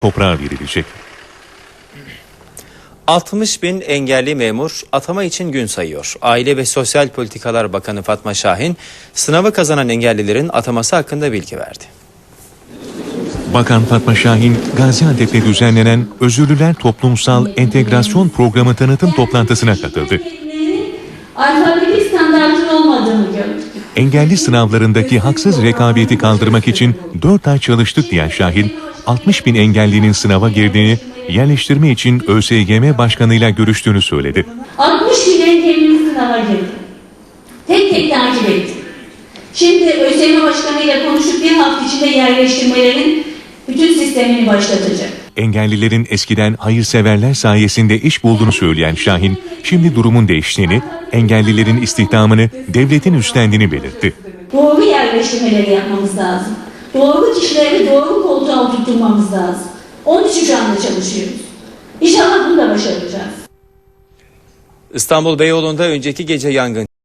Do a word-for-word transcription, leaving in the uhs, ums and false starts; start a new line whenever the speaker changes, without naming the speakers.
toprağa verilecek.
altmış bin engelli memur atama için gün sayıyor. Aile ve Sosyal Politikalar Bakanı Fatma Şahin, sınavı kazanan engellilerin ataması hakkında bilgi verdi.
Bakan Fatma Şahin, Gaziantep'te düzenlenen Özürlüler Toplumsal Entegrasyon Programı tanıtım toplantısına katıldı.
Alfabetik standartın olmadığını gördük.
Engelli sınavlarındaki haksız rekabeti kaldırmak için dört ay çalıştık diyen Şahin, altmış bin engellinin sınava girdiğini, yerleştirme için ÖSYM Başkanı'yla görüştüğünü söyledi.
altmış bin engellimiz sınava girdi. Tek tek takip ettik. Şimdi ÖSYM Başkanı'yla konuşup bir hafta içinde yerleştirmelerin bütün sistemini başlatacak.
Engellilerin eskiden hayırseverler sayesinde iş bulduğunu söyleyen Şahin, şimdi durumun değiştiğini, engellilerin istihdamını devletin üstlendiğini belirtti.
Doğru yerleştirmeleri yapmamız lazım. Doğru kişileri doğru koltuğa oturtmamız lazım. Onun için şu anda çalışıyoruz. İnşallah bunu da başaracağız.
İstanbul Beyoğlu'nda önceki gece yangın